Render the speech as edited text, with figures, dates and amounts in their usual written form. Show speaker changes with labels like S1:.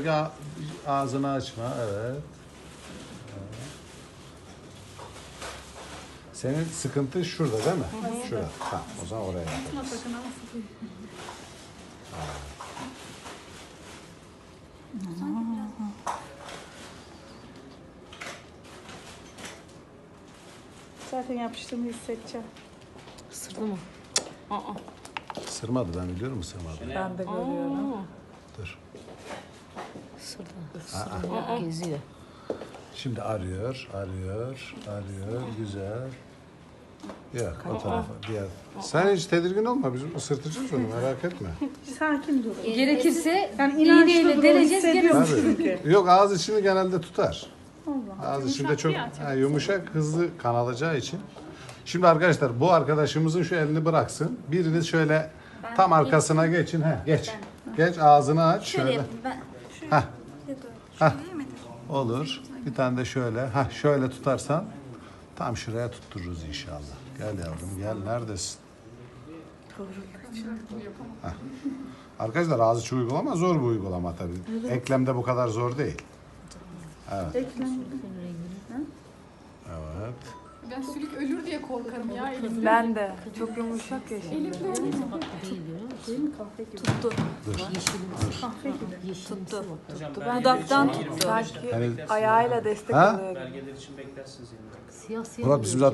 S1: Ağzını açma. Evet. Senin sıkıntın şurada değil mi? Şurada. Tamam. O zaman oraya yaparız.
S2: Zaten yapıştığımı hissedeceğim.
S3: Isırdı mı? Aa.
S1: Isırmadı, ben biliyorum ısırmadı.
S2: Ben de görüyorum.
S1: Dur.
S3: Isırdı. Geziyor.
S1: Şimdi arıyor. Güzel. Yok, o tarafa. Diğer. Sen hiç tedirgin olma. Biz ısırtacağız onu, merak etme.
S2: Sakin dur.
S3: Gerekirse
S2: Yani inançlı
S3: iğneyle
S2: dur,
S3: deleceğiz,
S2: hissediyorum
S1: Tabii.
S2: çünkü.
S1: Yok, ağız içini genelde tutar.
S2: Allah.
S1: Ağız içinde çok yumuşak, hızlı kanalacağı için. Şimdi arkadaşlar, bu arkadaşımızın şu elini bıraksın. Biriniz şöyle tam arkasına geçin. Geç. Geç, ağzını aç. Şöyle. Olur. Bir tane de şöyle. Şöyle tutarsan tam şuraya tuttururuz inşallah. Gel yavrum, gel. Neredesin? Arkadaşlar, ağız içi uygulama zor bir uygulama tabii. Evet. Eklemde bu kadar zor değil. Evet. Evet.
S4: Ben sülük ölür diye korkarım ya elimde.
S2: Ben de. Çok yumuşak ya şimdi.
S4: Elimde ölür.
S2: Değil mi kahve gibi?
S3: tuttu.
S2: Kahve gibi.
S3: Tuttu.
S2: Dudaktan tuttu. Sanki
S1: Yani-
S2: ayağıyla destek
S1: Ha?
S2: alıyor.
S5: Belgeler için beklersiniz yani.
S3: Siyah siyah.
S1: Murat, bizim zaten